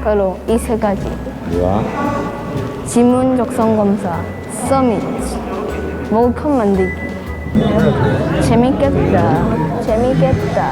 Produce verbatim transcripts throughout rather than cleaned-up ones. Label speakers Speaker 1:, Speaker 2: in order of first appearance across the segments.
Speaker 1: 바로 이 세 가지.
Speaker 2: 뭐야?
Speaker 1: 지문 적성 검사, 서밋, 머그컵 만들기. 재밌겠다. 재밌겠다.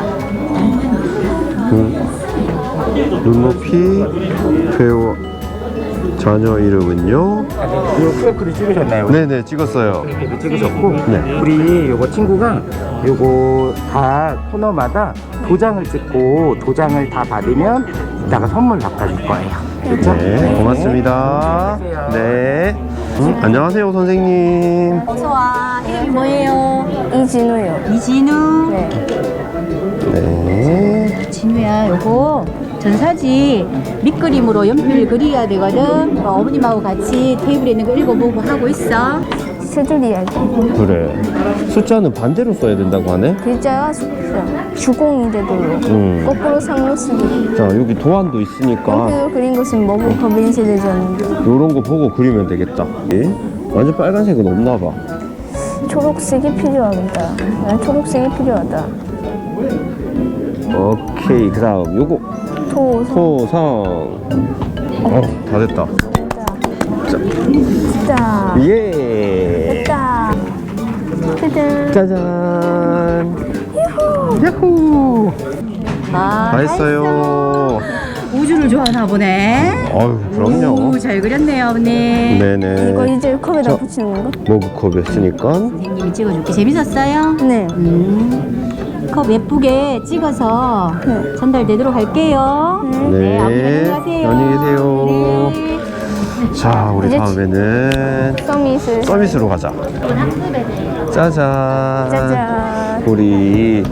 Speaker 2: 음. 눈높이 회원 자녀 이름은요?
Speaker 3: 이거 큐알코드 찍으셨나요?
Speaker 2: 네네 찍었어요.
Speaker 3: 이렇게 찍으셨고
Speaker 2: 네.
Speaker 3: 우리 요거 친구가 요거 다 코너마다 도장을 찍고 도장을 다 받으면 이따가 선물 바꿔줄 거예요. 그렇죠?
Speaker 2: 네 고맙습니다. 네. 음, 안녕하세요 선생님.
Speaker 4: 어서와. 이름이 뭐예요?
Speaker 1: 이진우요.
Speaker 4: 이진우.
Speaker 1: 네.
Speaker 2: 네.
Speaker 4: 진우야, 요거 전사지 밑그림으로 연필 그려야 되거든. 어, 어머님하고 같이 테이블에 있는 거 읽어보고 하고 있어.
Speaker 1: 세 줄 이야기.
Speaker 2: 그래. 숫자는 반대로 써야 된다고 하네.
Speaker 1: 글자가 숫자. 주공이 되도록.
Speaker 2: 음.
Speaker 1: 거꾸로 상로 쓰기.
Speaker 2: 자 여기 도안도 있으니까
Speaker 1: 연필로 그린 것은 머그컵 인쇄되졌는데
Speaker 2: 요런 거 보고 그리면 되겠다. 예? 완전 빨간색은 없나 봐.
Speaker 1: 초록색이 필요하다. 난 초록색이 필요하다.
Speaker 2: 오케이 그 다음 요거
Speaker 1: 토,
Speaker 2: 토성. 어, 다 됐다.
Speaker 1: 자,
Speaker 2: 예.
Speaker 1: 됐다. 짜잔.
Speaker 2: 짜잔. 야호.
Speaker 4: 아,
Speaker 2: 다 했어요.
Speaker 4: 우주를 좋아하나 보네.
Speaker 2: 아유 그럼요.
Speaker 4: 오, 잘 그렸네요, 어머님.
Speaker 2: 네네.
Speaker 1: 이거 이제 컵에다
Speaker 2: 저-
Speaker 1: 붙이는 건가?
Speaker 2: 머그컵이었으니까.
Speaker 4: 선생님이 찍어줄게. 재밌었어요?
Speaker 1: 네.
Speaker 4: 음. 컵 예쁘게 찍어서
Speaker 1: 네.
Speaker 4: 전달되도록 할게요.
Speaker 2: 네.
Speaker 4: 안녕히 가세요.
Speaker 2: 안녕히 계세요.
Speaker 4: 네.
Speaker 2: 자 우리
Speaker 1: 이제
Speaker 2: 다음에는
Speaker 1: 서밋을.
Speaker 2: 서비스로 가자. 짜잔.
Speaker 1: 짜잔.
Speaker 2: 우리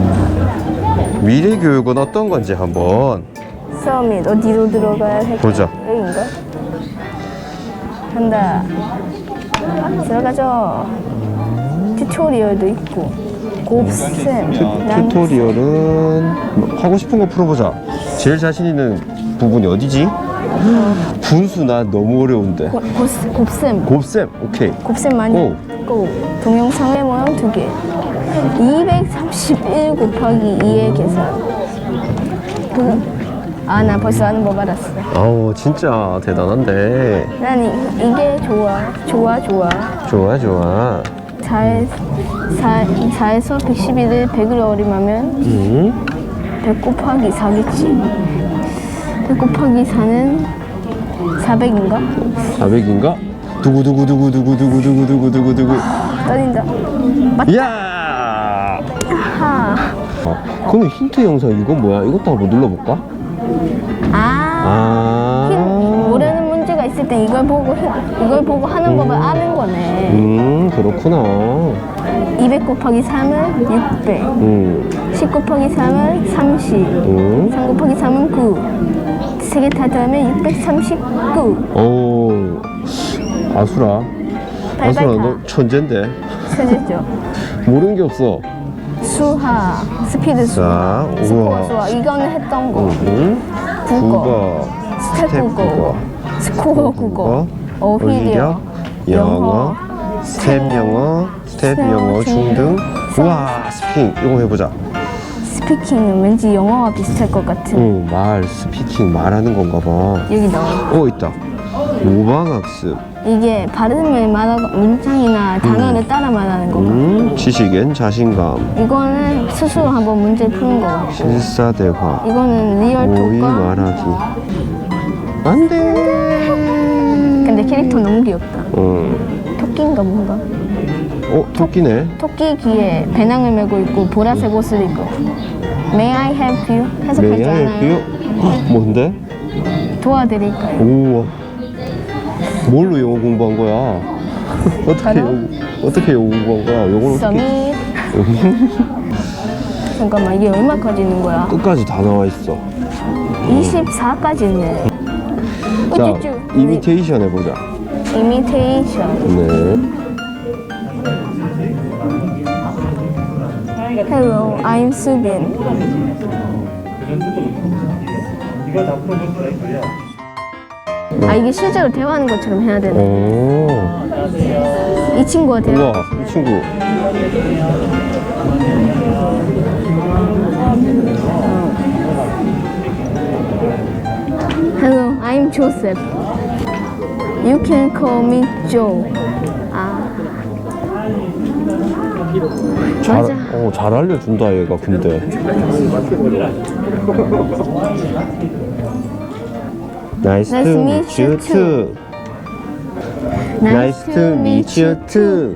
Speaker 2: 미래 교육은 어떤 건지 한번
Speaker 1: 서밋 어디로 들어가야 할까?
Speaker 2: 보자.
Speaker 1: 여긴가? 간다. 들어가죠. 튜토리얼도 있고. 곱셈. 난
Speaker 2: 튜토리얼은 하고 싶은 거 풀어보자. 제일 자신 있는 부분이 어디지? 분수 나 너무 어려운데.
Speaker 1: 고- 곱- 곱셈.
Speaker 2: 곱셈 오케이.
Speaker 1: 곱셈 많이
Speaker 2: 고.
Speaker 1: 고. 동영상의 모양 두 개. 이백삼십일 곱하기 이의 계산. 그, 아, 나 벌써 아는 법 알았어.
Speaker 2: 아우 진짜 대단한데.
Speaker 1: 난 이, 이게 좋아. 좋아, 좋아.
Speaker 2: 좋아 좋아.
Speaker 1: 사에, 사, 사에서 백십일을 백을 어림하면
Speaker 2: 음.
Speaker 1: 백 곱하기 사겠지. 백 곱하기 사는 사백인가?
Speaker 2: 사백인가? 두구두구두구두구두구두구두구두구.
Speaker 1: 떨린다.
Speaker 2: 이야.
Speaker 1: 아하.
Speaker 2: 어, 그러면 힌트 영상 이건 뭐야? 이것도 한번 눌러볼까?
Speaker 1: 아. 힌-
Speaker 2: 아.
Speaker 1: 모르는 문제가 있을 때 이걸 보고 해- 이걸 보고 하는 법을 아는 거네.
Speaker 2: 음 그렇구나.
Speaker 1: 이백 곱하기 삼은 육백.
Speaker 2: 음.
Speaker 1: 십 곱하기 삼은 삼십.
Speaker 2: 음.
Speaker 1: 삼 곱하기 삼은 구. 세 개 다 더하면 육백삼십구.
Speaker 2: 오. 아수라.
Speaker 1: 빨빨
Speaker 2: 아수라
Speaker 1: 다.
Speaker 2: 너 천재인데.
Speaker 1: 세제죠.
Speaker 2: 모르는 게 없어.
Speaker 1: 수하, 스피드 수하,
Speaker 2: 자,
Speaker 1: 스코어
Speaker 2: 우와.
Speaker 1: 수하. 이거는 했던 거.
Speaker 2: 응?
Speaker 1: 국어, 스텝
Speaker 2: 스텝
Speaker 1: 국어,
Speaker 2: 국어,
Speaker 1: 스코어 국어, 어휘력,
Speaker 2: 어휘력, 영어, 스텝 영어, 스텝 영어 중등. 우와, 스피킹 이거 해보자.
Speaker 1: 스피킹은 왠지 영어와 비슷할 것 같은.
Speaker 2: 응, 말, 스피킹 말하는 건가 봐.
Speaker 1: 여기 나와.
Speaker 2: 어, 있다. 모방학습.
Speaker 1: 이게 발음을 말하고 문장이나 단어를 따라 말하는 건가?
Speaker 2: 음, 지식엔 자신감.
Speaker 1: 이거는 스스로 한번 문제 푸는 거 같고.
Speaker 2: 실사대화.
Speaker 1: 이거는 리얼
Speaker 2: 모의
Speaker 1: 톡과.
Speaker 2: 말하기. 안 돼.
Speaker 1: 근데 캐릭터 너무 귀엽다.
Speaker 2: 응.
Speaker 1: 토끼인가 뭔가?
Speaker 2: 어, 토끼네.
Speaker 1: 토끼 귀에 배낭을 메고 있고 보라색 옷을 입고. May I help you? 해석하지
Speaker 2: 메이아이
Speaker 1: 않아요.
Speaker 2: 뷰? 뭔데?
Speaker 1: 도와드릴까요?
Speaker 2: 우와. 뭘로 영어 공부한 거야? 어떻게
Speaker 1: 단어?
Speaker 2: 영어, 어떻게 영어 공부한 거야? 영어를 어떻게
Speaker 1: 서밋. 잠깐만 이게 얼마까지 있는 거야?
Speaker 2: 끝까지 다 나와 있어.
Speaker 1: 이십사까지 있네.
Speaker 2: 자,
Speaker 1: 우쭈쭈.
Speaker 2: 이미테이션 해보자.
Speaker 1: 이미테이션.
Speaker 2: 네.
Speaker 1: Hello, I'm Subin. 아 이게 실제로 대화하는 것처럼 해야 되네.
Speaker 2: 오.
Speaker 1: 이 친구가 대화.
Speaker 2: 우와, 이 친구.
Speaker 1: Hello, I'm Joseph. You can call me Joe. 아.
Speaker 2: 잘,
Speaker 1: 맞아.
Speaker 2: 어, 잘 알려준다 얘가 근데. Nice,
Speaker 1: Nice
Speaker 2: to
Speaker 1: meet
Speaker 2: meet you
Speaker 1: you
Speaker 2: too. Nice to meet you too.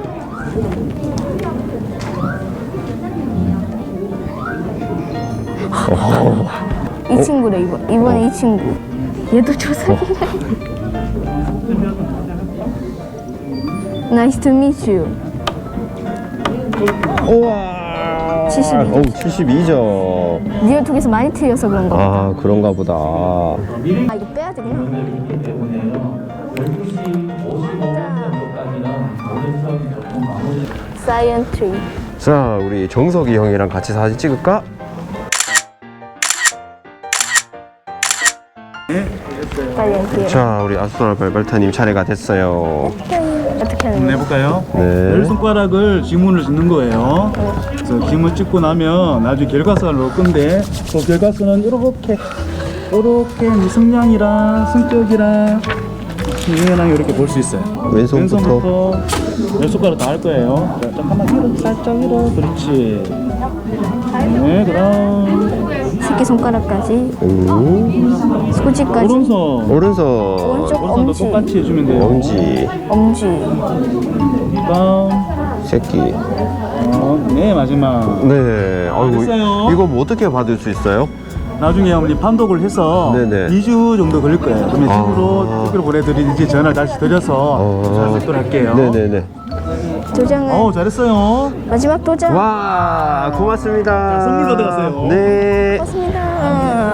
Speaker 1: 이 친구래 이번. 이번에 이 친구. 얘도 조셉이네. Nice to meet you.
Speaker 2: 우와.
Speaker 1: 칠십이 점.
Speaker 2: 오, 칠십이 점.
Speaker 1: 니가 두 개에서 많이 틀려서 그런 거.
Speaker 2: 아, 그런가 보다.
Speaker 1: 아, 이거 빼야 되구나. 사이언트리.
Speaker 2: 자, 우리 정석이 형이랑 같이 사진 찍을까?
Speaker 1: 빨리 할게요.
Speaker 2: 자, 우리 아스트랄 발발타님 차례가 됐어요.
Speaker 1: 어떻게 하는
Speaker 5: 한번
Speaker 1: 거야?
Speaker 5: 해볼까요?
Speaker 2: 네.
Speaker 5: 열 손가락을 지문을 짓는 거예요. 그래서 지문 찍고 나면 나중에 결과선을 넣을 건데 그 결과선은 이렇게 이렇게 승량이랑 승격이랑 중요랑 이렇게 볼 수 있어요.
Speaker 2: 왼손부터.
Speaker 5: 왼손부터 열 손가락 다 할 거예요. 자, 잠깐만 위로 살짝 위로 그렇지. 네, 그다음
Speaker 1: 새끼 손가락까지.
Speaker 2: 음.
Speaker 1: 소지까지.
Speaker 5: 오른손
Speaker 2: 오른손.
Speaker 1: 오른쪽
Speaker 5: 오른손도
Speaker 1: 엄지.
Speaker 5: 똑같이 해주면 돼요.
Speaker 2: 엄지.
Speaker 1: 엄지.
Speaker 5: 그다음
Speaker 2: 새끼.
Speaker 5: 어, 네 마지막.
Speaker 2: 네. 아이고,
Speaker 5: 됐어요.
Speaker 2: 이거 뭐 어떻게 받을 수 있어요?
Speaker 5: 나중에 어머니 판독을 해서
Speaker 2: 네네.
Speaker 5: 이 주 정도 걸릴 거예요. 그러면
Speaker 2: 아.
Speaker 5: 집으로 택배로 보내드리는지 전화를 다시 드려서
Speaker 2: 어.
Speaker 5: 잘 받도록 할게요.
Speaker 2: 네네네.
Speaker 1: 도장은
Speaker 5: 어우 잘했어요.
Speaker 1: 마지막 도장.
Speaker 2: 와, 고맙습니다.
Speaker 5: 자, 선물 받아가세요.
Speaker 2: 네.
Speaker 1: 고맙습니다.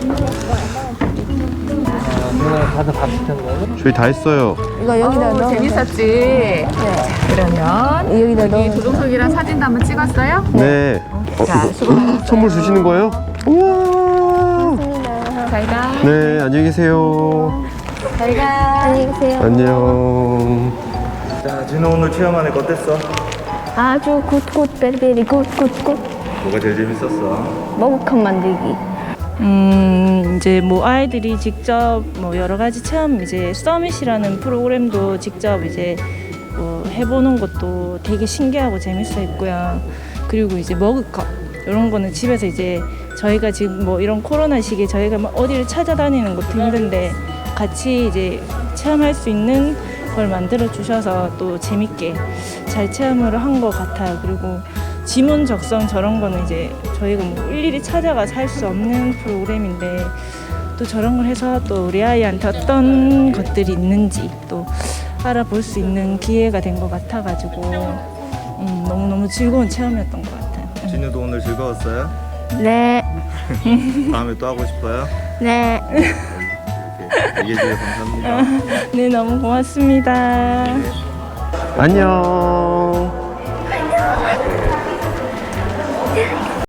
Speaker 2: 저희 다 했어요.
Speaker 1: 이거 여기다 넣어.
Speaker 6: 재밌었지?
Speaker 1: 네.
Speaker 6: 그러면
Speaker 1: 여기다 넣어.
Speaker 6: 이 도종석이랑 사진도 한번 찍었어요?
Speaker 2: 네. 어, 이거 선물 주시는 거예요? 우와.
Speaker 6: 잘 가.
Speaker 2: 네, 안녕히 계세요.
Speaker 6: 잘 가.
Speaker 1: 안녕히 계세요.
Speaker 2: 안녕.
Speaker 5: 자, 진호 오늘 체험하니까 어땠어?
Speaker 1: 아주 굿굿 베리베리 굿굿굿.
Speaker 5: 뭐가 제일 재밌었어?
Speaker 1: 머그컵 만들기.
Speaker 7: 음, 이제 뭐 아이들이 직접 뭐 여러 가지 체험 이제 서밋이라는 프로그램도 직접 이제 뭐 해보는 것도 되게 신기하고 재밌어 했고요. 그리고 이제 머그컵 이런 거는 집에서 이제 저희가 지금 뭐 이런 코로나 시기에 저희가 막 어디를 찾아다니는 것도 힘든데 같이 이제 체험할 수 있는 걸 만들어 주셔서 또 재밌게 잘 체험을 한 것 같아요. 그리고 지문 적성 저런 거는 이제 저희가 뭐 일일이 찾아가서 할 수 없는 프로그램인데 또 저런 걸 해서 또 우리 아이한테 어떤 것들이 있는지 또 알아볼 수 있는 기회가 된 것 같아가지고 음, 너무너무 즐거운 체험이었던 것 같아요.
Speaker 8: 진우도 오늘 즐거웠어요?
Speaker 1: 네.
Speaker 8: 다음에 또 하고 싶어요?
Speaker 1: 네.
Speaker 8: 이렇게 얘기해주셔서 감사합니다.
Speaker 7: 네, 너무 고맙습니다.
Speaker 2: 안녕.